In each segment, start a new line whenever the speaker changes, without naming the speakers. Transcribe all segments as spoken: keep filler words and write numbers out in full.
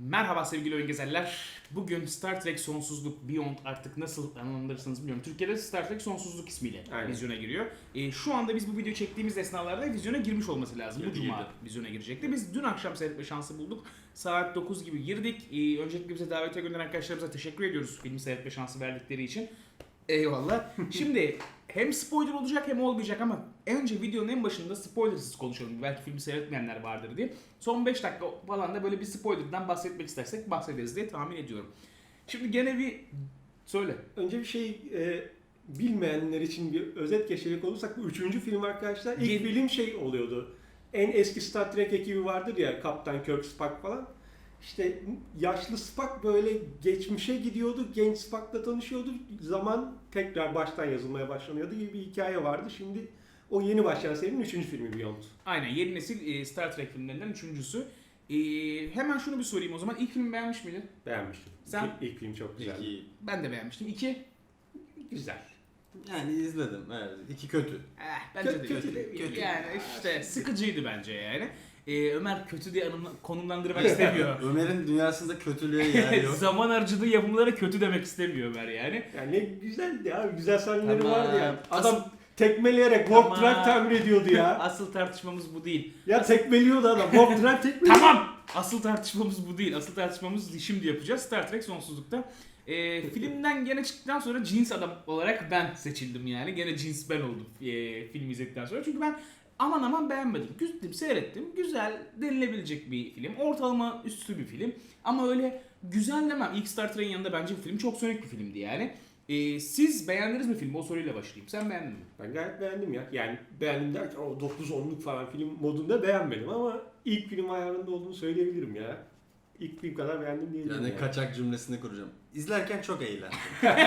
Merhaba sevgili oyun gezerler. Bugün Star Trek Sonsuzluk Beyond artık nasıl anlandırırsınız bilmiyorum. Türkiye'de Star Trek Sonsuzluk ismiyle
Aynen.
vizyona giriyor. E, şu anda biz bu videoyu çektiğimiz esnalarda vizyona girmiş olması lazım.
Girdi,
bu cuma
girdi.
vizyona girecekti. Biz dün akşam seyretme şansı bulduk. Saat dokuz gibi girdik. E, öncelikle bize davetiye gönderen arkadaşlarımıza teşekkür ediyoruz filmi seyretme şansı verdikleri için. Eyvallah. Şimdi hem spoiler olacak hem olmayacak ama önce videonun en başında spoilersız konuşalım. Belki filmi seyretmeyenler vardır diye. Son beş dakika falan da böyle bir spoilerdan bahsetmek istersek bahsederiz diye tahmin ediyorum. Şimdi gene bir söyle.
Önce bir şey e, bilmeyenler için bir özet geçecek olursak bu üçüncü film arkadaşlar. İlk
Yeni-
film şey oluyordu. En eski Star Trek ekibi vardır ya, Kaptan Kirk, Spock falan. İşte yaşlı Spock böyle geçmişe gidiyordu, genç Spock'la tanışıyordu. Zaman tekrar baştan yazılmaya başlanıyordu gibi bir hikaye vardı. Şimdi o yeni başlayan serinin üçüncü filmi Beyond.
Aynen yeni nesil e, Star Trek filmlerinden üçüncüsü. E, hemen şunu bir sorayım o zaman. İlk filmi beğenmiş miydin?
Beğenmiştim.
Sen-
İlk, ilk film çok güzeldi.
İki.
Ben de beğenmiştim. İki.
Güzel.
Yani izledim. Evet. İki kötü.
Eh, bence
Kötü-
de
kötü
kötü.
de- kötü.
Yani işte sıkıcıydı bence yani. E, Ömer kötü diye anımla- konumlandırmak istemiyor.
Ömer'in dünyasında kötülüğe yer yok.
Zaman harcadığı yapımlara kötü demek istemiyor Ömer yani.
Yani ne güzeldi ya, güzel sahneleri
Tamam.
vardı ya.
Asıl-
Adam tekmeleyerek Warp
Tamam.
Drive tamir ediyordu ya.
Asıl tartışmamız bu değil.
Ya tekmeliyordu adam. Warp Drive tekmeliyordu.
Tamam. Asıl tartışmamız bu değil. Asıl tartışmamız şimdi yapacağız. Star Trek Sonsuzluk'ta. Ee, filmden gene çıktıktan sonra cins adam olarak ben seçildim yani. Gene cins ben oldum e, film izledikten sonra. Çünkü ben aman aman beğenmedim. Güzdüm, seyrettim. Güzel denilebilecek bir film. Ortalama üstü bir film. Ama öyle güzel demem. İlk Star Trek'in yanında bence bu film çok sönük bir filmdi yani. Ee, siz beğendiniz mi filmi? O soruyla başlayayım. Sen beğendin mi?
Ben gayet beğendim ya. Yani beğendim derken o dokuz onluk falan film modunda beğenmedim ama ilk film ayarında olduğunu söyleyebilirim ya. İlk film kadar beğendim diyebilirim.
Yani
yani.
kaçak cümlesini kuracağım. İzlerken çok eğlendim.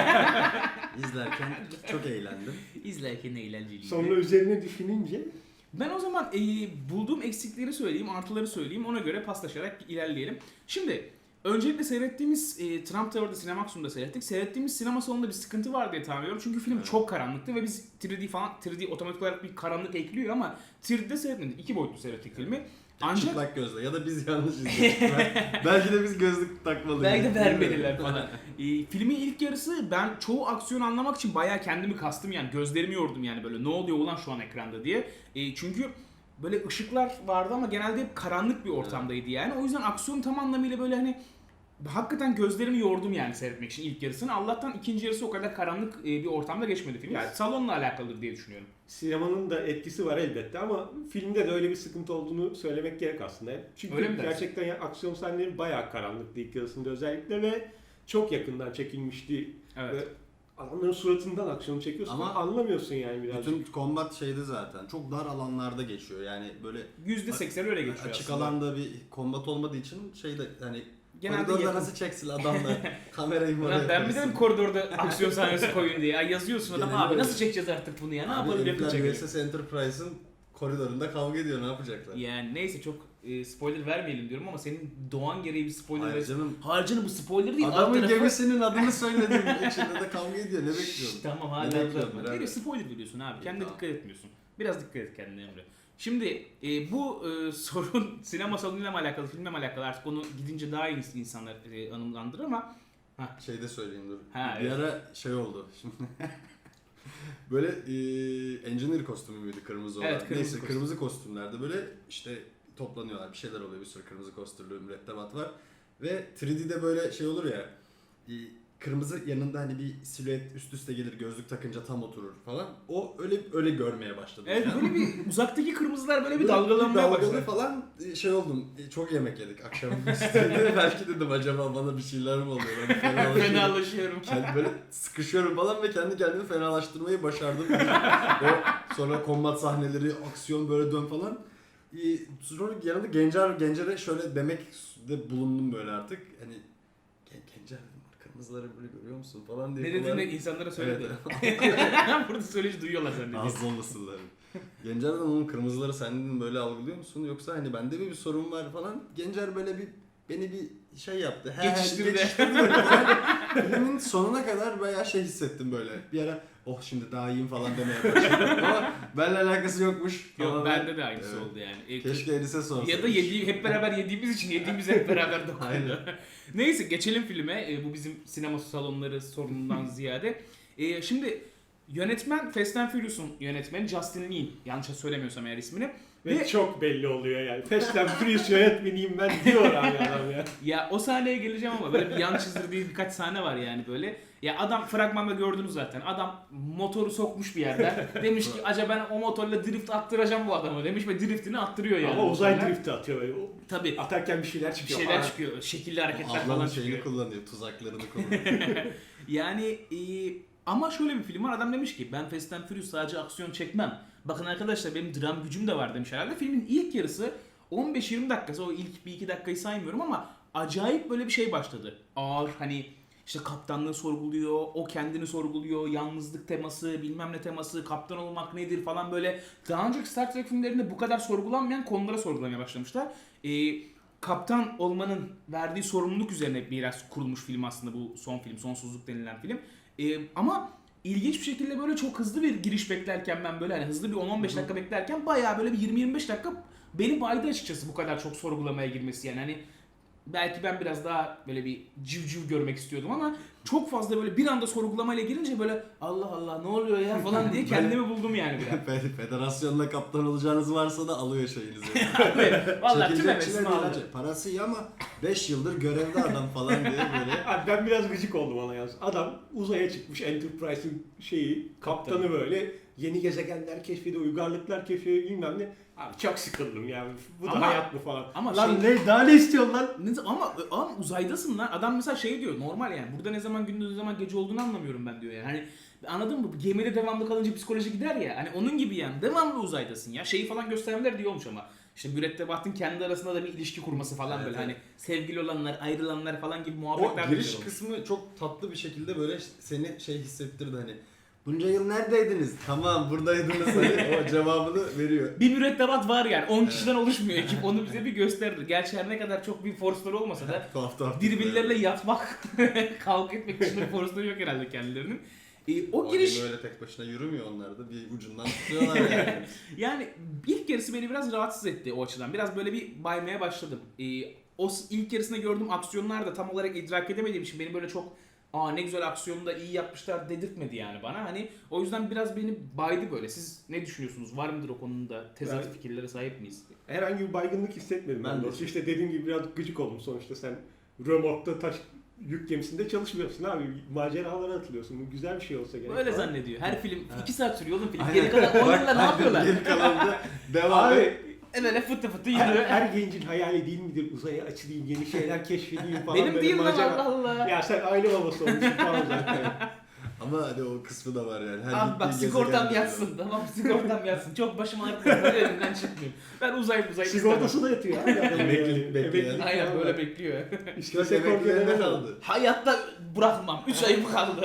İzlerken çok eğlendim.
İzlerken eğlenceliydi.
Sonra üzerine düşününce
Ben o zaman e, bulduğum eksikleri söyleyeyim, artıları söyleyeyim. Ona göre paslaşarak ilerleyelim. Şimdi öncelikle seyrettiğimiz e, Trump Tower'da Cinemaxim'da seyrettik. Seyrettiğimiz sinema salonunda bir sıkıntı var diye tahmin ediyorum. Çünkü film
Evet.
çok karanlıktı ve biz üç D falan üç D otomatik olarak bir karanlık ekliyor ama üç D'de seyretmedik. İki boyutlu seyrettik filmi. Ancak
Çıplak gözle ya da biz yanlış izledik. Ben- Belki de biz gözlük takmalıyız.
belki de vermediler falan. E, filmin ilk yarısı ben çoğu aksiyonu anlamak için bayağı kendimi kastım yani. Gözlerimi yordum yani böyle ne oluyor ulan şu an ekranda diye. E, çünkü böyle ışıklar vardı ama genelde hep karanlık bir ortamdaydı yani. O yüzden aksiyon tam anlamıyla böyle hani hakikaten gözlerimi yordum yani seyretmek için ilk yarısını. Allah'tan ikinci yarısı o kadar karanlık e, bir ortamda geçmedi film.
Yani-
Salonla alakalıdır diye düşünüyorum.
sinemanın da etkisi var elbette ama filmde de öyle bir sıkıntı olduğunu söylemek gerek aslında. Çünkü
Öyle mi dersin?
gerçekten ya, aksiyon sahneleri bayağı karanlıktı ilk yarısında özellikle ve çok yakından çekilmişti.
Evet.
Ve adamların suratından aksiyonu çekiyorsun ama
Ama
anlamıyorsun yani birazcık.
Bütün kombat şeydi zaten. Çok dar alanlarda geçiyor. Yani böyle
yüzde seksen öyle geçiyor
açık
aslında.
alanda bir kombat olmadığı için şeyde hani
Genelde
koridorda
yakın.
nasıl çeksin adamla kamerayı mı
Ulan
oraya
ben mi
koysun?
dedim koridorda aksiyon sahnesi koyun diye. Ya yazıyorsun adam
Genelde
abi
öyle.
nasıl çekeceğiz artık bunu ya ne
Abi
yapalım
herifler
yapacak.
V S S Enterprise'ın koridorunda kavga ediyor, ne yapacaklar?
Yani neyse çok e, spoiler vermeyelim diyorum ama senin doğan gereği bir spoiler
Hayır
versin.
canım.
Hayır canım bu spoiler değil. alt
Adamın
tarafı-
gemisinin adını söyledim. İçinde de kavga ediyor. Ne bekliyorsun?
Tamam
Ne
hala
bekliyorsun
uzatma.
birader?
Geliyor spoiler veriyorsun abi. Kendine
Tamam.
dikkat etmiyorsun. Biraz dikkat et kendine Emre. Şimdi e, bu e, sorun sinema salonuyla mı alakalı, filmle mi alakalı artık onu gidince daha iyi insanlar e, anımlandırır ama Hah.
Şey de söyleyeyim dur.
Ha,
bir
evet.
ara şey oldu. Şimdi böyle e, engineer kostümü müydü kırmızı olan?
Evet, kırmızı
Neyse
kostüm.
kırmızı kostümlerde böyle işte toplanıyorlar. Bir şeyler oluyor. Bir sürü kırmızı kostümlü mürettebat var. Ve üç D'de böyle şey olur ya. e, Kırmızı yanında hani bir silüet üst üste gelir, gözlük takınca tam oturur falan. O öyle öyle görmeye başladım.
Evet
yani.
böyle bir uzaktaki kırmızılar böyle bir
Böyle
dalgalanmaya
dalgalı
başladı.
falan e, şey oldum. e, Çok yemek yedik akşam üstüne. Belki dedim acaba bana bir şeyler mi oluyor? Ben fenalaşıyorum.
Fenalaşıyorum.
Kendi böyle sıkışıyorum falan ve kendi kendimi fenalaştırmayı başardım. O sonra kombat sahneleri, aksiyon böyle dön falan. Ee, Sonra yanında Gencer, Gencer'e şöyle demek de bulundum böyle artık. Hani "Gen- Gencer dedim, kırmızıları böyle görüyor musun falan diye.
Ne dediğini insanlara söyledi.
Evet.
Burada söyleyici duyuyorlar zannediyorum.
Az olmasınlar. Gencer dedim onun kırmızıları sen dedim böyle algılıyor musun? Yoksa hani bende mi bir sorun var falan. Gencer böyle bir beni bir şey yaptı. He,
Geçiştirdi.
geçiştirdi böyle falan. Filmin sonuna kadar bayağı şey hissettim böyle. Bir ara oh şimdi daha iyiyim falan demeye başladım. Ama benimle alakası yokmuş.
Yok
Tamamen-
bende de aynısı
Evet.
oldu yani. E,
Keşke Enis'e sorsaydın.
Ya da yediğim, hep beraber yediğimiz için yediğimiz hep beraber dokundu.
Aynen.
Neyse geçelim filme. E, bu bizim sinema salonları sorunundan ziyade. E, şimdi yönetmen Fast and Furious'un yönetmeni Justin Lin. Yanlış söylemiyorsam eğer ismini.
Ve,
Ve-
çok belli oluyor yani. Fast and Furious yönetmeniyim ben diyor abi adam ya.
Ya o sahneye geleceğim ama böyle bir yan çizdirdiği birkaç sahne var yani böyle. Ya adam fragmanda gördünüz zaten. Adam motoru sokmuş bir yerden. Demiş ki acaba ben o motorla drift attıracağım bu adamı demiş ve driftini attırıyor yani.
Ama uzay
motorla.
drifti atıyor böyle. O-
Tabii.
Atarken bir şeyler
Bir
çıkıyor.
şeyler
Aa,
çıkıyor. Şekilli hareketler
Ablanın
falan
şeyini
çıkıyor.
kullanıyor, tuzaklarını kullanıyor.
Yani e, ama şöyle bir film var. Adam demiş ki ben Fast and Furious sadece aksiyon çekmem. Bakın arkadaşlar benim dram gücüm de var demiş herhalde. Filmin ilk yarısı on beş yirmi dakikası, o ilk bir iki dakikayı saymıyorum ama acayip böyle bir şey başladı. Ağır hani işte kaptanlığı sorguluyor, o kendini sorguluyor, yalnızlık teması, bilmem ne teması, kaptan olmak nedir falan böyle. Daha önceki Star Trek filmlerinde bu kadar sorgulanmayan konulara sorgulamaya başlamışlar. E, kaptan olmanın verdiği sorumluluk üzerine biraz kurulmuş film aslında bu son film, Sonsuzluk denilen film. Ee, ama ilginç bir şekilde böyle çok hızlı bir giriş beklerken ben böyle hani hızlı bir on on beş dakika beklerken bayağı böyle bir yirmi yirmi beş dakika beni baydı açıkçası bu kadar çok sorgulamaya girmesi yani hani belki ben biraz daha böyle bir civciv görmek istiyordum ama çok fazla böyle bir anda sorgulamayla girince böyle Allah Allah ne oluyor ya falan diye kendimi buldum yani biraz.
Fe- Federasyonla kaptan olacağınız varsa da alıyor şeyinizi.
Vallahi tüm
Çekilecek
hevesimi
çile
aldı.
değil. Parası iyi ama beş yıldır görevde adam falan diye böyle.
Abi ben biraz gıcık oldum ona yalnız. Adam uzaya çıkmış Enterprise'in şeyi, kaptanı
Kaptanı.
böyle yeni gezegenler keşfediyor, uygarlıklar keşfediyor bilmem ne. Abi çok sıkıldım yani. Bu da
Ama-
hayat mı falan.
ama
lan
şey-
ne daha ne istiyorsun lan?
Ne- Ama, ama uzaydasın lan. Adam mesela şey diyor normal yani. Burada ne zaman gündüz ne zaman gece olduğunu anlamıyorum ben diyor yani. Hani anladın mı? Gemide devamlı kalınca psikoloji gider ya. Hani onun gibi yani. Devamlı uzaydasın ya. Şeyi falan göstermeler diye olmuş ama. İşte mürettebatın kendi arasında da bir ilişki kurması falan
Evet,
böyle.
evet.
Hani sevgili olanlar, ayrılanlar falan gibi
O
muhabbetler de
giriş
güzel olmuş.
kısmı çok tatlı bir şekilde böyle seni şey hissettirdi hani. Bunca yıl neredeydiniz? Tamam buradaydınız. Hani o cevabını veriyor.
Bir mürettebat var yani. on kişiden oluşmuyor ekip. Onu bize bir gösterdi. Gerçi her ne kadar çok bir forceları olmasa da
Tuhaf tuhaf.
birbirleriyle yatmak, kavga etmek dışında bir forceları yok herhalde kendilerinin. E, o
O
giriş...
giriş öyle tek başına yürümüyor onlar da bir ucundan tutuyorlar yani.
Yani ilk yarısı beni biraz rahatsız etti o açıdan. Biraz böyle bir baymaya başladım. Ee, o s- ilk yarısında gördüğüm aksiyonlar da tam olarak idrak edemediğim için beni böyle çok aa ne güzel aksiyonu da iyi yapmışlar dedirtmedi yani bana. Hani o yüzden biraz beni baydı böyle. Siz ne düşünüyorsunuz? Var mıdır o konuda? Tezat
Ben-
fikirlere sahip miyiz?
Herhangi bir baygınlık hissetmedim ben,
Ben de.
doğrusu. İşte dediğim gibi biraz gıcık oldum sonuçta sen römorkta taş yük gemisinde çalışmıyorsun abi. Maceralara atılıyorsun. Bu güzel bir şey olsa gerek.
Böyle
falan.
zannediyor. Her film
Ha.
iki saat sürüyor oğlum film.
Aynen.
Geri kalan on yılda ne yapıyorlar?
Geri kalanında devam et.
Abi
E böyle fıtı fıtı
her,
yürüyor.
her gencin hayali değil midir? Uzaya açılayım, yeni şeyler keşfedeyim falan.
Benim
böyle
değil lan
macera-
Allah Allah.
Ya sen aile babası olmuşsun falan zaten.
Ama hadi o kısmı da var yani. Her
Abi bak
gittiğin
sigortam
gezegende
yatsın. Tamam sigortam yatsın. Çok başım ağrıtmasın. Böyle elimden çıkmıyorum. Ben uzay uzay istemem.
Sigortası da yatıyor abi. adamın
Emeklilik
yani.
bekleyen.
Emeklilik
Aynen
falan
böyle
var.
bekliyor.
İşte
Dört emeklilerine
sigortaları
kaldı.
Hayatta bırakmam. üç ayım kaldı.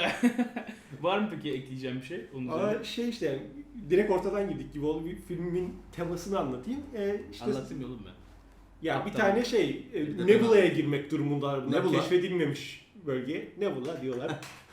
Var mı peki ekleyeceğim bir şey? Onun üzerine?
Ama şey işte yani, direkt ortadan girdik gibi oldu. Bir filmin temasını anlatayım. Ee, işte
Anlatayım ya oğlum ben.
ya bir
Kaptan.
tane şey e,
Bir de
Nebula'ya girmek durumundalar bunlar.
Nebula?
Keşfedilmemiş bölge. Nebula diyorlar.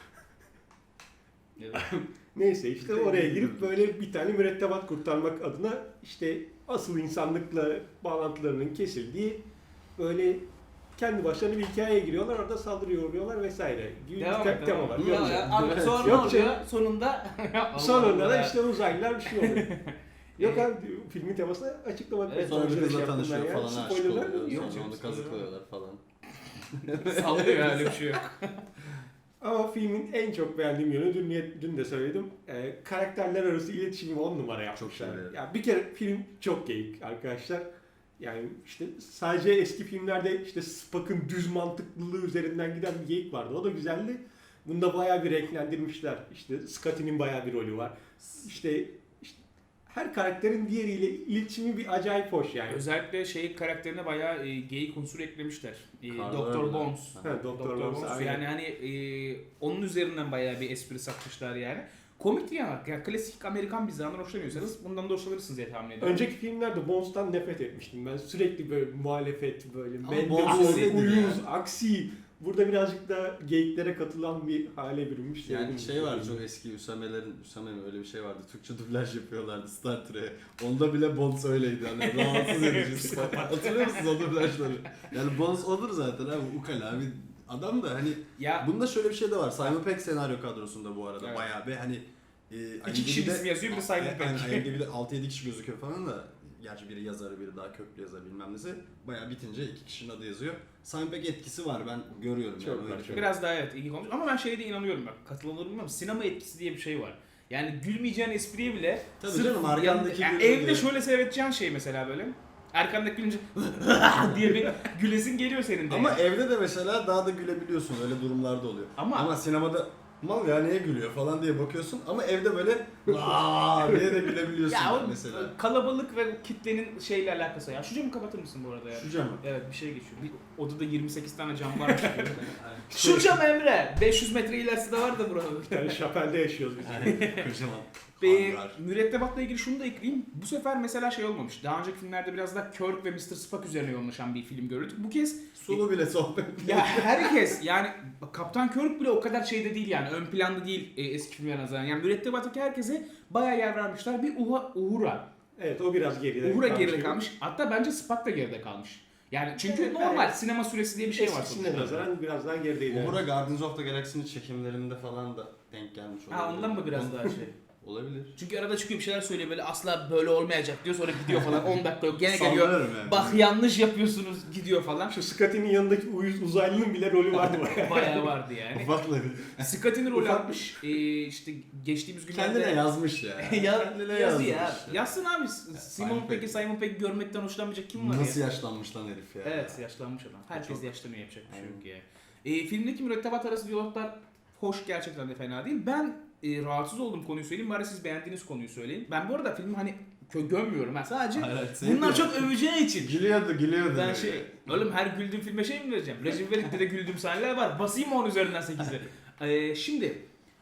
Evet.
Neyse işte
Bir de
oraya
iyi
girip
bir-
böyle bir tane mürettebat kurtarmak adına işte asıl insanlıkla bağlantılarının kesildiği böyle kendi başlarına bir hikayeye giriyorlar. Orada saldırı uğruyorlar vesaire. Gibi
Devam
bir
et,
tema
devam
var.
et.
Yok
Ya,
canım.
ya, abi sonra ne
Yok
oluyor?
canım.
Sonunda
Sonunda
Allah
da
Allah.
işte uzaylılar bir şey oluyor. Yok abi filmin temasını açıklamak
Evet,
Sonra bir
Şöyle
kızla
şey yaptım
tanışıyor
ben ya.
falan aşık
Spoilerlar
oluyor.
yok.
Yok
Sonra
canım,
onu
spoiler
kazıklıyorlar falan.
sallıyor öyle bir şey yok.
Ama filmin en çok beğendiğim yönü dün, dün de söyledim. Ee, karakterler arası iletişimi on numara yapmışlar.
Çok iyi, evet.
Ya bir kere film çok geyik arkadaşlar. Yani işte sadece eski filmlerde işte Spock'ın düz mantıklılığı üzerinden giden bir geyik vardı. O da güzeldi. Bunda bayağı bir renklendirmişler. İşte Scotty'nin bayağı bir rolü var. İşte, işte her karakterin diğeriyle iletişimi bir acayip hoş yani.
Özellikle şey karakterine bayağı e, geyik unsur eklemişler. E,
Carl
Doktor
Urban.
Bones.
Ha.
Ha, Doktor
Doktor
Bones,
Bones.
aynen.
Yani hani e, onun üzerinden bayağı bir espri satmışlar yani. komik bir yana. Yani klasik Amerikan mizahından hoşlanıyorsanız bundan da hoşlanırsınız diye tahmin ediyorum.
Önceki filmlerde Bones'tan nefret etmiştim ben. Sürekli böyle muhalefet, böyle
Ama Bones
mendebur,
öyledir
uyuz,
yani.
aksi. Burada birazcık da geyiklere katılan bir hale bürünmüş.
Yani
Sevdim
şey
bu
var
filmi.
çok eski Üsamelerin, Üsame mi öyle bir şey vardı. Türkçe dublaj yapıyorlardı Star Trek'e. Onda bile Bones öyleydi. Hani rahatsız edici. Hatırlıyor musunuz o dublajları? Yani Bones odur zaten abi. Ukala bir adam da hani
Ya
bunda şöyle bir şey de var. Simon Pegg senaryo kadrosunda bu arada
Evet.
bayağı bir hani e,
İki kişi
IMDb'de
isim yazıyor, bir de Simon Pegg.
Aynen, IMDb'de altı yedi kişi gözüküyor falan da gerçi biri yazarı biri daha köklü yazar bilmem nesi. Bayağı bitince iki kişinin adı yazıyor. Simon Pegg etkisi var ben görüyorum
Çok
yani.
var,
öyle.
çok.
biraz daha evet iyi konuşmuş ama ben şeye de inanıyorum bak katılılır bilmiyorum. Sinema etkisi diye bir şey var. Yani gülmeyeceğin espriye bile
Tabii
sırf
canım, arkandaki
yani
gülüyor
evde
diye.
şöyle seyredeceğin şey mesela böyle. Arkandaki gülünce diye bir gülesin geliyor senin de.
Ama
yani.
evde de mesela daha da gülebiliyorsun öyle durumlarda oluyor.
Ama-
Ama sinemada mal ya niye gülüyor falan diye bakıyorsun ama evde böyle aa diye de gülebiliyorsun
ya o
mesela.
kalabalık ve kitlenin şeyle alakası. Ya şu camı kapatır mısın bu arada ya?
Şu camı.
Evet bir şey geçiyor. Bir odada yirmi sekiz tane cam varmış gibi. Şu cam Emre. beş yüz metre ilerisi de var da burada.
Yani Şapel'de yaşıyoruz biz.
Kocaman.
Ve
Hangar.
mürettebatla ilgili şunu da ekleyeyim. Bu sefer mesela şey olmamış. Daha önceki filmlerde biraz daha Kirk ve mister Spock üzerine yoğunlaşan bir film gördük. Bu kez
Sulu bile sohbet.
ya herkes yani Kaptan Kirk bile o kadar şeyde değil yani ön planda değil e, eski filmlere nazaran. Yani mürettebattaki herkese bayağı yer vermişler. Bir Uha, Uhura.
Evet o biraz geride
Uhura
kalmış
geride
gibi.
kalmış. Hatta bence Spock da geride kalmış. Yani çünkü
Evet,
normal
evet.
sinema süresi diye bir şey var
Eskisine
sonuçta.
nazaran biraz daha gerideydi.
Uhura Guardians of the Galaxy'nin çekimlerinde falan da denk gelmiş olabilir.
Ha ondan mı biraz daha şey?
Olabilir.
Çünkü arada çıkıyor bir şeyler söylüyor böyle asla böyle olmayacak diyor sonra gidiyor falan on dakika yok gene geliyor.
Sallarım yani.
Bak yanlış yapıyorsunuz gidiyor falan.
Şu Scotty'nin yanındaki uyuz uzaylının bile rolü vardı bayağı.
Bayağı vardı yani.
Ufakları.
Scott'in rol
Ufak-
almış. Ee, işte geçtiğimiz günlerde...
Kendine yazmış ya.
ya,
Kendine
yazı
yazmış.
ya. Yazsın abi. Simon
Simon
Pegg'i
Pegg.
Simon Pegg görmekten hoşlanmayacak kim var
Nasıl
ya?
yaşlanmış lan herif ya.
Evet yaşlanmış adam. Herkes
Çok-
yaşlanıyor yapacak bir şey
Aynen.
yok ya. Ee, filmdeki mürettebat arası diyaloglar hoş gerçekten de fena değil. Ben e, rahatsız olduğum konuyu söyleyeyim. Bari siz beğendiğiniz konuyu söyleyin. Ben bu arada filmi hani kö- gömmüyorum. Ben sadece
Hayır, hayır,
bunlar
sevmiyorum.
çok öveceği için.
Gülüyordu gülüyordu.
Ben şey, oğlum her güldüğüm filme şey mi vereceğim? Recep İvedik'te de güldüğüm sahneler var. Basayım mı onun üzerinden sekizi? Ee, şimdi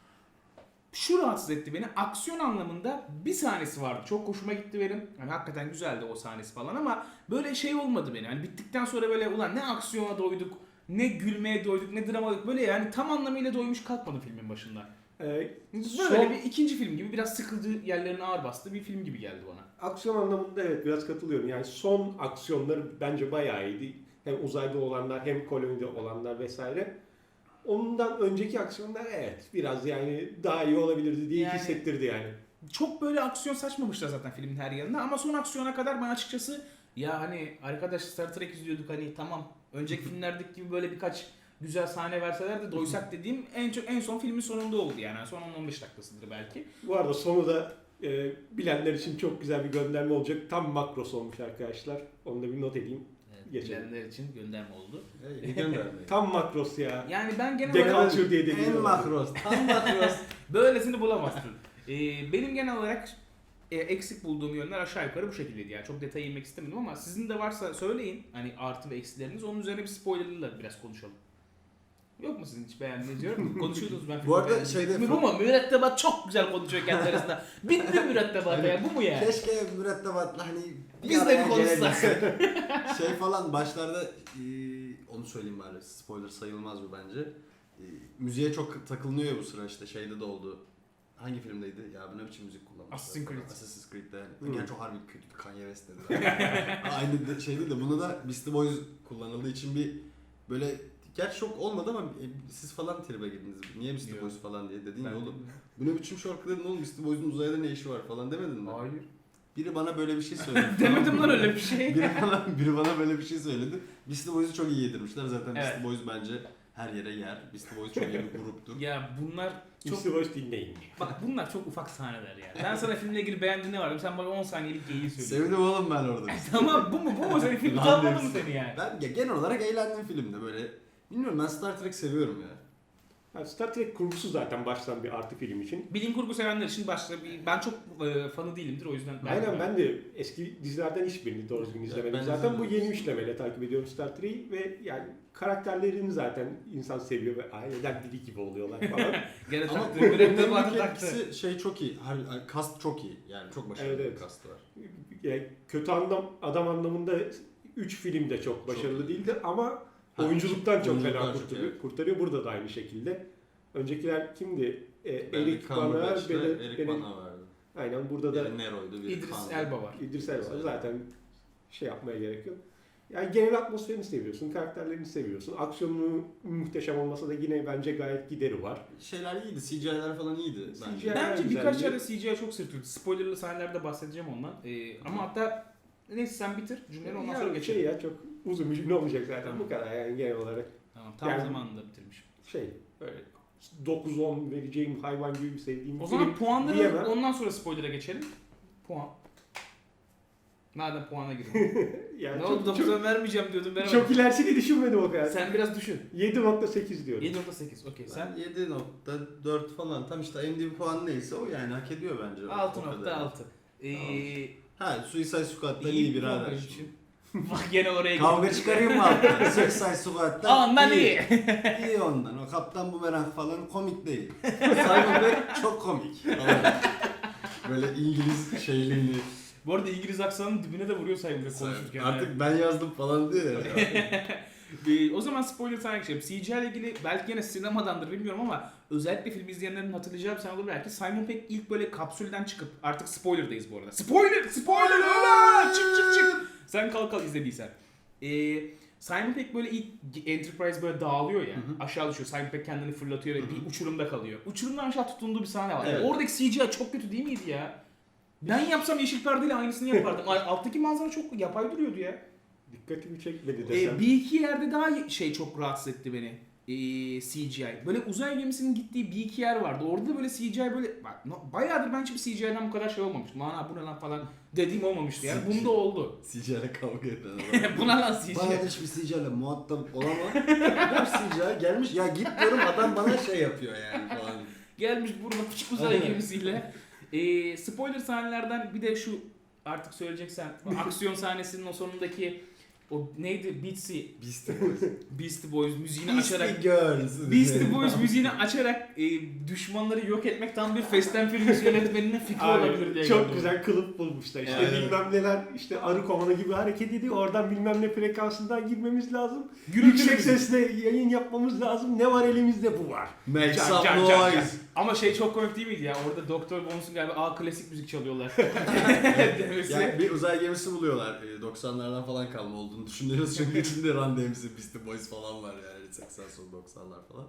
şu rahatsız etti beni. Aksiyon anlamında bir sahnesi vardı. Çok hoşuma gitti benim. Yani hakikaten güzeldi o sahnesi falan ama böyle şey olmadı benim. Yani bittikten sonra böyle ulan ne aksiyona doyduk, ne gülmeye doyduk, ne drama doyduk. Böyle yani tam anlamıyla doymuş kalkmadım filmin başında.
Ee,
Böyle
son-
bir ikinci film gibi biraz sıkıldığı yerlerine ağır bastı bir film gibi geldi bana.
Aksiyon anlamında evet biraz katılıyorum. Yani son aksiyonları bence bayağı iyiydi. Hem uzayda olanlar hem kolonide olanlar vesaire. Ondan önceki aksiyonlar evet biraz yani daha iyi olabilirdi diye
Yani-
hissettirdi yani.
Çok böyle aksiyon saçmamışlar zaten filmin her yanında ama son aksiyona kadar ben açıkçası ya hani arkadaş Star Trek izliyorduk hani tamam önceki filmlerdeki gibi böyle birkaç güzel sahne verseler de doysak dediğim en çok en son filmin sonunda oldu yani son on on beş dakikasıdır belki.
Bu arada sonu da e, bilenler için çok güzel bir gönderme olacak. Tam makros olmuş arkadaşlar. Onu da bir not edeyim. Geçelim.
Bilenler için gönderme oldu.
İyi gönderdi.
Tam makros ya.
Yani ben genel olarak
Deculture diye dediğim
En
oldu.
makros. Tam makros.
böylesini bulamazsın. Ee, benim genel olarak e, eksik bulduğum yönler aşağı yukarı bu şekildeydi yani çok detaya inmek istemedim ama sizin de varsa söyleyin hani artı ve eksileriniz onun üzerine bir spoilerlı biraz konuşalım. Yok mu sizin hiç beğendiğiniz yorum? Konuşuyordunuz ben.
Bu arada
beğendim.
şeyde-
Bu mu? Mürettebat çok güzel konuşuyor kendi arasında. Bitti mürettebat ya bu mu ya?
Keşke mürettebatla hani bir
Biz de
araya
bir konuşsak.
gelebilsek. Şey falan başlarda e, onu söyleyeyim bari spoiler sayılmaz bu bence. E, müziğe çok takılınıyor ya bu sıra işte şeyde de oldu. Hangi filmdeydi? Ya bu ne biçim müzik kullanmışlar?
Assassin's Creed.
Assassin's Creed'de yani.
Hmm.
Gerçi o harbi kötü Kanye West dedi. Aynı de, şeydi de bunu da Beastie Boys kullanıldığı için bir böyle gerçi çok olmadı ama e, siz falan tribe girdiniz. Niye Beastie
Yok.
Boys falan diye dedin
Ben
ya oğlum.
bilmiyorum.
Bu ne biçim şarkı dedin oğlum Beastie Boys'un uzayda ne işi var falan demedin mi?
Hayır.
Biri bana böyle bir şey söyledi.
Demedim lan öyle bir şey.
biri bana biri bana böyle bir şey söyledi. Beastie Boys'u çok iyi yedirmişler. Zaten
Evet.
Beastie Boys bence her yere yer. Beastie Boys çok iyi bir gruptur.
Ya bunlar çok
Çok boş dinleyin.
bak bunlar çok ufak sahneler ya. Ben sana filmle ilgili beğendiğin ne var? Sen bana on saniyelik geyiği söyle.
Sevdim oğlum ben orada.
Tamam bu mu? Bu mu? Senin film
Lan
kalmadı mı
diyorsun.
seni yani?
Ben ya genel olarak eğlendim filmde böyle. Bilmiyorum ben Star Trek seviyorum ya.
Yani Star Trek kurgusu zaten baştan bir artı film için.
Bilim kurgu sevenler için başta bir, ben çok e, fanı değilimdir o yüzden.
Aynen ben de eski dizilerden hiçbirini doğru düzgün izlemedim.
ben
Zaten bu
izlemedim.
yeni üçlemeyle takip ediyorum Star Trek'i ve yani karakterlerini zaten insan seviyor ve aileden biri gibi oluyorlar falan.
Gene
Ama
taktı.
bunun
Mürekkep adı
en
taktı.
etkisi şey çok iyi. Her, kast çok iyi. Yani çok başarılı
Evet,
bir
evet.
kast var.
Yani kötü anlam, adam anlamında üç film de çok başarılı
Çok iyi.
değildi ama
Ha,
oyunculuktan çok
oyunculuktan
fena
çok,
kurtarıyor.
evet.
kurtarıyor. Burada da aynı şekilde. Öncekiler kimdi? E, Erik
Benedict
Bana,
Cumberbatch ve
Bene-
Eric
Bene-
Bana vardı.
Aynen burada da
Biri Nero'ydu, biri
İdris
Khan'dı.
Elba var.
İdris Elba var.
Elba.
Zaten şey yapmaya gerek yok. Yani genel atmosferini seviyorsun, karakterlerini seviyorsun. Aksiyonu muhteşem olmasa da yine bence gayet gideri var.
Şeyler iyiydi, C G I'ler falan iyiydi.
C
bence.
G I
Bence
güzeldi.
birkaç yerde C G I çok sırtıyordu. Spoilerlı sahnelerde bahsedeceğim ondan. Ee, ama hatta neyse sen bitir cümleleri ondan sonra
Yani
geçelim.
şey ya çok uzun bir cümle olmayacak zaten
Tamam.
bu kadar yani genel olarak.
Tamam, tam
Yani-
zamanında bitirmişim.
Şey böyle dokuz on vereceğim hayvan gibi bir sevdiğim
O
bir
zaman
film
puanları
diyemem.
ondan sonra spoiler'a geçelim. Puan. Madem puana girelim.
Yani
ne
çok,
oldu
çok,
dokuza vermeyeceğim diyordum veremedim.
çok ilerisini düşünmedim o kadar.
Sen biraz düşün.
yedi nokta sekiz diyorum.
yedi nokta sekiz okey. Sen
Sen yedi nokta dört falan tam işte M D B puanı neyse o yani hak ediyor bence.
altı
O kadar.
nokta altı. Ee,
Ha Suicide Squad'dan iyi bir
puan
haber.
benim için. Bak gene oraya
Kavga
gittim.
çıkarayım mı alttan? Suicide Squad'dan
Ondan iyi.
İyi ondan. O Kaptan Boomerang falan komik değil. Simon Pegg çok komik. Böyle İngiliz şeyliğini.
Bu arada İngiliz aksanının dibine de vuruyor sayımda konuşurken.
Artık ben yazdım falan diyor ya.
Ee, o zaman spoiler sana geçelim. C G I ile ilgili belki gene sinemadandır bilmiyorum ama özellikle film izleyenlerin hatırlayacağı bir sahne olur belki. Simon Pegg ilk böyle kapsülden çıkıp artık spoiler'dayız bu arada. Spoiler! Spoiler! Öyle! Çık çık çık! Sen kalk kalk izlediysen. Ee, Simon Pegg böyle ilk Enterprise böyle dağılıyor ya.
Hı hı.
Aşağı düşüyor. Simon Pegg kendini fırlatıyor ve
Hı hı.
bir uçurumda kalıyor. Uçurumdan aşağı tutunduğu bir sahne var.
Evet.
Oradaki C G I çok kötü değil miydi ya? Ben yapsam yeşil perdeyle aynısını yapardım. Alttaki manzara çok yapay duruyordu ya.
Dikkatimi çekmedi desem.
Ee, bir iki yerde daha şey çok rahatsız etti beni. Ee, C G I. Böyle uzay gemisinin gittiği bir iki yer vardı. Orada da böyle C G I böyle bak no, bayağıdır ben hiçbir C G I'den bu kadar şey olmamıştı. Lan bu ne lan falan dediğim olmamıştı yani. Bunda oldu.
C G I'le kavga eden adam.
Buna lan C G I.
Bana hiçbir C G I'le muhatap olamam. Bir C G I gelmiş ya git diyorum adam bana şey yapıyor yani falan.
Gelmiş burada küçük uzay
Aynen.
gemisiyle. Ee, spoiler sahnelerden bir de şu artık söyleyeceksen aksiyon sahnesinin o sonundaki o neydi? Beatsy,
Beastie Boys.
Beastie Boys müziğini açarak
Beastie Girls.
Beastie Boys müziğini açarak e, düşmanları yok etmek tam bir Fast and Furious yönetmeninin fikri olabilir diye
çok
geldi
güzel kılıf bulmuşlar. İşte
Evet.
bilmem neler işte arı kovanı gibi hareket ediyor. Oradan bilmem ne frekansından girmemiz lazım.
Gürültülü
Yüksek
müzik.
sesle yayın yapmamız lazım. Ne var elimizde bu var.
Make
Can,
some
can, can, can.
noise.
Ama şey çok komik değil miydi ya? Orada Doktor Bones'un galiba A klasik müzik çalıyorlar. Demesi.
Yani bir uzay gemisi buluyorlar. Ee, doksanlardan falan kalma olduğunu düşünüyoruz. Çünkü içinde Run D M C, Beastie Boys falan var yani. seksen son doksanlar falan.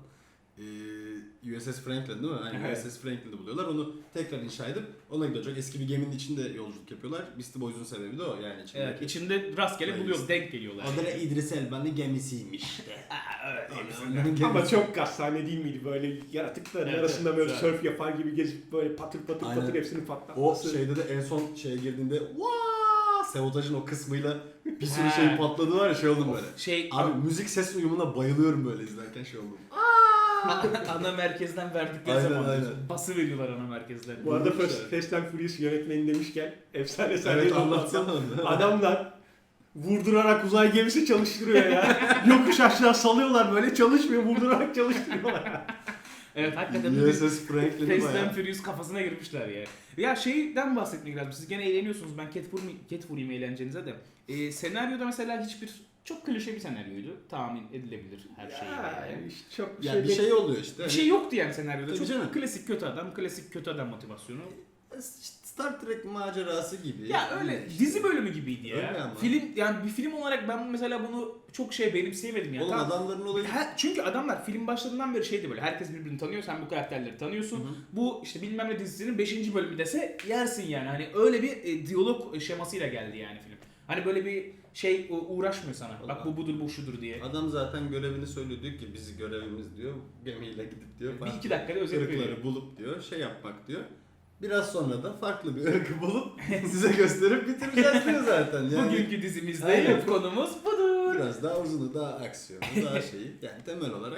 Ee, U S S Franklin değil mi? Yani
Evet.
U S S Franklin'i buluyorlar. Onu tekrar inşa edip ona gidiyor. Çok eski bir geminin içinde yolculuk yapıyorlar. Beastie Boys'un sebebi de o yani içindeki.
Evet, içinde rastgele
Öyle
buluyor,
işte.
denk geliyorlar.
Adı da İdris Elba'nın gemisiymiş.
evet,
Ama çok gastane değil miydi? Böyle yaratıkların
Evet,
arasında
evet,
böyle
evet.
surf yapar gibi gezip böyle patır patır
Aynen.
patır hepsini
O
patlatması.
şeyde de en son şeye girdiğinde Vaa! Sabotajın o kısmıyla bir sürü
He.
şey patladı var ya şey oldum böyle.
Şey,
Abi müzik ses uyumuna bayılıyorum böyle izlerken şey oldum.
ana merkezden verdikleri
Aynen,
zaman
aynen.
bası veriyorlar ana merkezden.
Bu arada
Bulmuşlar.
Fast, Fast and Furious yönetmeni demişken efsane sahneyi
Evet
anlatsam.
anlatsana.
Adamlar vurdurarak uzay gemisi çalıştırıyor ya. Yokuş aşağı salıyorlar böyle çalışmıyor vurdurarak çalıştırıyorlar.
Evet hakikaten
U
bir
S S Franklin'i
Fast and
bayağı.
Furious kafasına girmişler ya. Ya şeyden bahsetmek lazım. Siz gene eğleniyorsunuz. Ben cat vurmayayım, cat vurayım eğlencenize de. Ee, senaryoda mesela hiçbir çok klişe bir senaryoydu. Tahmin edilebilir her şey.
Ya,
Yani.
işte çok
Ya bir şey oluyor işte.
Bir şey yoktu yani senaryoda.
Tabii
Çok
canım.
klasik kötü adam, klasik kötü adam motivasyonu.
İşte Star Trek macerası gibi.
Ya öyle
İşte.
dizi bölümü gibiydi ya.
Öyle ama.
Film yani bir film olarak ben mesela bunu çok şey benimseyemedim ya.
Oğlum
Tamam.
adamların olayı.
Her- çünkü adamlar film başlarından beri şeydi böyle herkes birbirini tanıyor sen bu karakterleri tanıyorsun.
Hı hı.
Bu işte bilmem ne dizisinin beşinci bölümü dese yersin yani. Hani öyle bir e, diyalog şemasıyla geldi yani film. Hani böyle bir şey u- uğraşmıyor sana. Bak
Vallahi.
bu budur bu şudur diye.
Adam zaten görevini söylüyor diyor ki biz görevimiz diyor gemiyle gidip diyor.
Bir iki dakikada özet veriyor.
ırkları bulup diyor şey yapmak diyor. Biraz sonra da farklı bir ırkı bulup size gösterip bitireceğiz diyor zaten. Yani
Bugünkü dizimizde
Aynen.
konumuz budur.
biraz daha uzunu, daha aksiyonu, daha şeyi. Yani temel olarak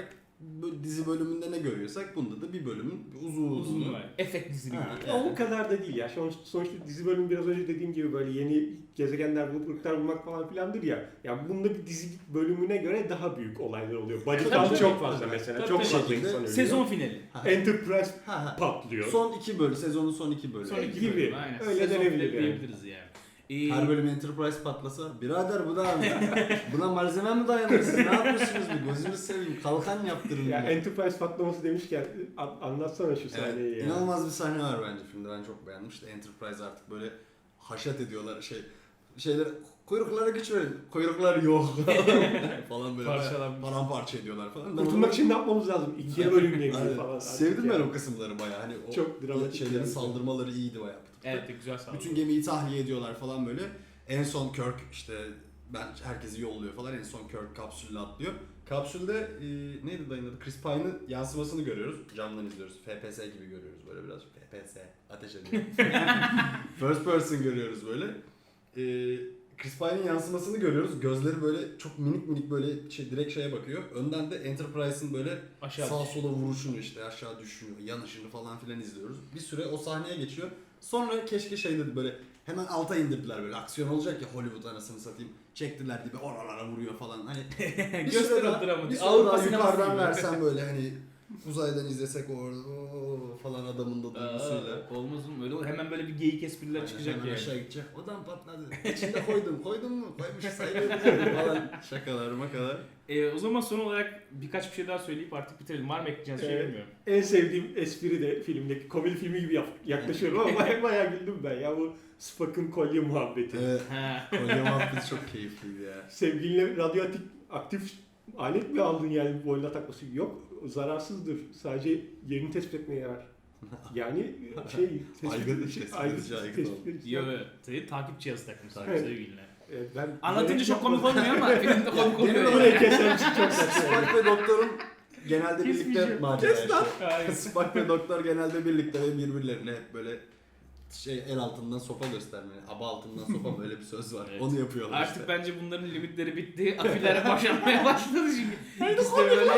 bö- dizi bölümünde ne görüyorsak bunda da bir bölümün uzun
Uzun var. Efekt dizili
Ha,
gibi.
Ya o kadar da değil ya. Sonuç, sonuçta dizi bölümü biraz önce dediğim gibi böyle yeni gezegenler, bulutlar bulmak falan filandır ya. Ya bunda bir dizi bölümüne göre daha büyük olaylar oluyor. Body
Tabii,
count
tabii.
çok fazla mesela.
Tabii,
çok
tabii.
fazla insan ölüyor.
Sezon finali.
Ha.
Enterprise
Ha, ha.
patlıyor.
Son iki bölüm, sezonun son iki bölümü.
Son iki
gibi.
bölüm, aynen.
Öyle
Sezon
denebilir
finali
yani.
diyebiliriz yani. Ee,
Her bölüm Enterprise patlasa, birader bu da buna malzeme mi dayanır siz? Ne yapıyorsunuz bir gözünü seveyim, kalkan yaptırın.
Ya
Ya,
Enterprise patlaması demişken an- anlatsana şu sahneyi
evet,
ya.
inanılmaz bir sahne var bence filmde, ben çok beğendim. İşte Enterprise artık böyle haşat ediyorlar şey şeyler, kuyruklara güç verin, kuyruklar yok falan böyle
Parçalanmış.
paramparça ediyorlar falan. Ben
Kurtulmak
onu-
için ne yapmamız lazım? İkiye bölünmeye
Aynen.
gibi falan.
Sevdim ben
Yani.
o kısımları bayağı, hani o
Çok dramatik
şeylerin
yani.
saldırmaları iyiydi bayağı.
Evet güzel sağ
Bütün gemiyi tahliye ediyorlar falan böyle. En son Kirk işte ben herkesi yolluyor falan. En son Kirk kapsülle atlıyor. Kapsülde e, neydi dayının adı? Chris Pine'ın yansımasını görüyoruz. Camdan izliyoruz. F P S gibi görüyoruz böyle biraz. F P S ateş ediyor. First person görüyoruz böyle. E, Chris Pine'ın yansımasını görüyoruz. Gözleri böyle çok minik minik böyle şey, direkt şeye bakıyor. Önden de Enterprise'ın böyle
Aşağı
sağ sola vuruşunu işte aşağı düşüşünü, yanışını falan filan izliyoruz. Bir süre o sahneye geçiyor. Sonra keşke şey dedi böyle hemen alta indirdiler böyle aksiyon olacak ya Hollywood anasını satayım. Çektiler dibe oralara vuruyor falan hani. bir
Göster
süre
o
daha,
dramı.
bir süre
Avrupa
daha
sineması
yukarıdan
gibi.
versen böyle hani uzaydan izlesek orada oo falan adamın da duygusuyla.
Aa, olmaz mı? Öyle hemen böyle bir geyik espriler
Aynen,
çıkacak
hemen
yani.
aşağı gidecek. Odan patladı. İçinde koydum. Koydun mu? Koymuş sayılır falan. Şakalar makalar.
Ee, o zaman son olarak birkaç bir şey daha söyleyip artık bitirelim. Var mı ekleyeceğiniz bir şey
Evet.
bilmiyorum.
En sevdiğim espri de filmdeki komedi filmi gibi yap- yaklaşıyorum ama bayağı, bayağı güldüm ben ya bu Spock'ın kolye muhabbeti.
Evet.
Ha.
Kolye muhabbeti çok keyifliydi ya.
Sevgilinle radyoaktif aktif alet mi aldın yani boynuna takması? Yok, zararsızdır. Sadece yerini tespit etmeye yarar. Yani şey...
Aygıt işte, tespit edici aygıt oldu.
edici.
Yo, tabii takip cihazı takmışsın
Evet.
sevgiline.
Evet, ben
Anlatınca çok komik olmuyor ama filmde komik
benim
oluyor.
de
yani.
Burayı keser misin? Çok saçma.
Spock ve doktorun genelde birlikte
Kesmeyeceğim.
macera
Kes lan.
işte.
Hayır.
Spock ve doktor genelde birlikte ve birbirlerine hep böyle şey el altından sopa gösterme, aba altından sopa böyle bir söz var.
Evet.
Onu yapıyorlar
Artık
işte.
bence bunların limitleri bitti. Afillere boşanmaya başladı çünkü. İkisi de böyle...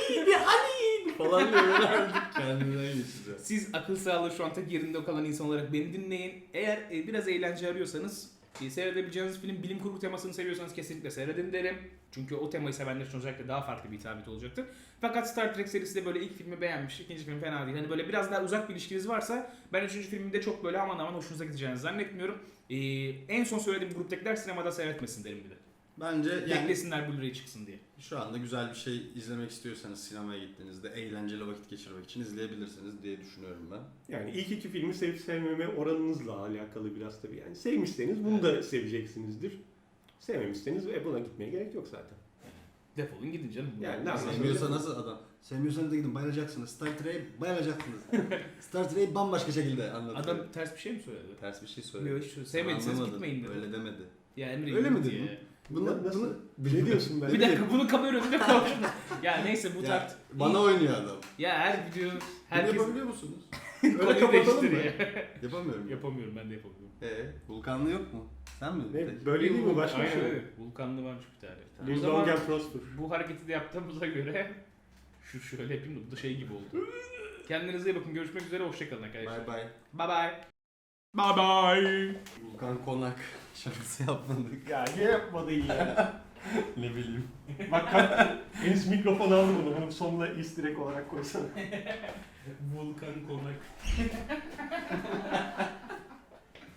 falan diyor böyle artık kendinden geçeceğiz.
Siz akıl sağlığı şu an tek yerinde kalan insan olarak beni dinleyin. Eğer e, biraz eğlence arıyorsanız, e, seyredebileceğiniz film bilim kurgu temasını seviyorsanız kesinlikle seyredin derim. Çünkü o temayı sevenler için özellikle daha farklı bir hitabet olacaktır. Fakat Star Trek serisi de böyle ilk filmi beğenmiş, ikinci film fena değil. Hani böyle biraz daha uzak bir ilişkiniz varsa ben üçüncü filmde çok böyle aman aman hoşunuza gideceğini zannetmiyorum. E, en son söylediğim gruptakiler sinemada seyretmesin derim bir de.
Bence yani
Beklesinler Blu-ray çıksın diye.
şu anda güzel bir şey izlemek istiyorsanız sinemaya gittiğinizde eğlenceli vakit geçirmek için izleyebilirsiniz diye düşünüyorum ben.
Yani ilk iki filmi sevip sevmeme oranınızla alakalı biraz tabii. Yani sevmişseniz bunu da seveceksinizdir. Sevmemişseniz e, buna gitmeye gerek yok zaten.
Defolun gidin canım.
Yani ne yapayım?
Sevmiyorsa nasıl adam? Sevmiyorsanız da gidin bayılacaksınız. Star Trek'e bayılacaksınız. Star Trek'i bambaşka şekilde anlatıyor.
Adam ters bir şey mi söyledi?
ters bir şey söyledi.
Yok hiç sevmediyseniz
Anlamadın.
gitmeyin dedi.
Öyle demedi.
Ya Emre
Öyle mi
git
dedin?
ya.
Bunu,
Nasıl?
bunu
Ne diyorsun ben?
Bir dakika bunu kamera önünde konuşuruz. Ya neyse bu
Ya,
tart.
bana oynuyor adam.
Ya her video
Bunu
herkes
yapabiliyor musunuz?
konuyu
Öyle kapatalım mı?
değiştiriyor.
Yapamıyorum.
Yapamıyorum ben de yapamıyorum.
Ee, Vulkanlı yok mu? Sen mi?
Ne? Böyle değil mi? Başka bir
Aynen
şey mi?
öyle. Vulkanlı varmış bir tane. O
Live
zaman
long and prosper.
bu hareketi de yaptığımıza göre şu şöyle yapayım da bu da şey gibi oldu. Kendinize iyi bakın. Görüşmek üzere. Hoşçakalın arkadaşlar.
Bye bye.
Bye bye. Bye bye.
Vulkan Konak şakası yapmadık.
Ya niye yapmadın ya?
Ne bileyim.
Bak kalk. Enis mikrofon aldı bunu. Bunu sonuna easter egg olarak koysana.
Vulkan konak.